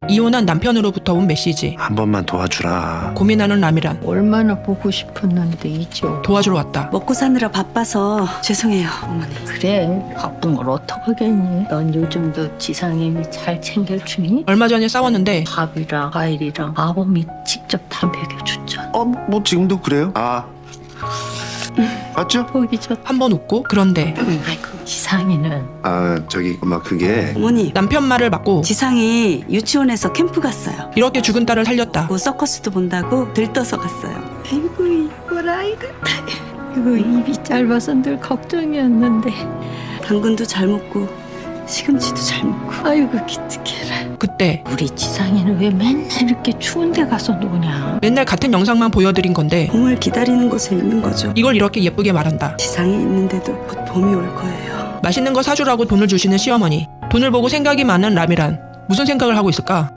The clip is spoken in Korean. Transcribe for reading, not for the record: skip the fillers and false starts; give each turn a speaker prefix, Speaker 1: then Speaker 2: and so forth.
Speaker 1: 이혼한 남편으로부터 온 메시지.
Speaker 2: 한 번만 도와주라.
Speaker 1: 고민하는 라미란.
Speaker 3: 얼마나 보고 싶었는데 이제
Speaker 1: 도와주러 왔다.
Speaker 4: 먹고 사느라 바빠서 죄송해요, 어머니.
Speaker 3: 그래 바쁜 걸 어떡하겠니? 넌 요즘도 지상님이 잘 챙겨주니?
Speaker 1: 얼마 전에 싸웠는데
Speaker 3: 밥이랑 과일이랑 아범이 직접 다 먹여줬잖아.
Speaker 2: 뭐 지금도 그래요? 맞죠?
Speaker 3: 보기 좋다.
Speaker 1: 한 번 웃고. 그런데
Speaker 3: 아이고 지상이는
Speaker 2: 저기 엄마 그게
Speaker 4: 어머니,
Speaker 1: 남편 말을 막고
Speaker 4: 지상이 유치원에서 캠프 갔어요.
Speaker 1: 이렇게 죽은 딸을 살렸다.
Speaker 4: 뭐 서커스도 본다고 들떠서 갔어요.
Speaker 3: 아이고 이뻐라 아이고 이거 입이 짧아서 늘 걱정이었는데
Speaker 4: 당근도 잘 먹고 시금치도 잘 먹고.
Speaker 3: 아이고 기특해라.
Speaker 1: 그때
Speaker 3: 우리 지상이는 왜 맨날 이렇게 추운 데 가서 노냐?
Speaker 1: 맨날 같은 영상만 보여드린 건데
Speaker 4: 봄을 기다리는 곳에 있는 거죠.
Speaker 1: 이걸 이렇게 예쁘게 말한다.
Speaker 4: 지상이 있는데도 곧 봄이 올 거예요.
Speaker 1: 맛있는 거 사주라고 돈을 주시는 시어머니. 돈을 보고 생각이 많은 라미란. 무슨 생각을 하고 있을까?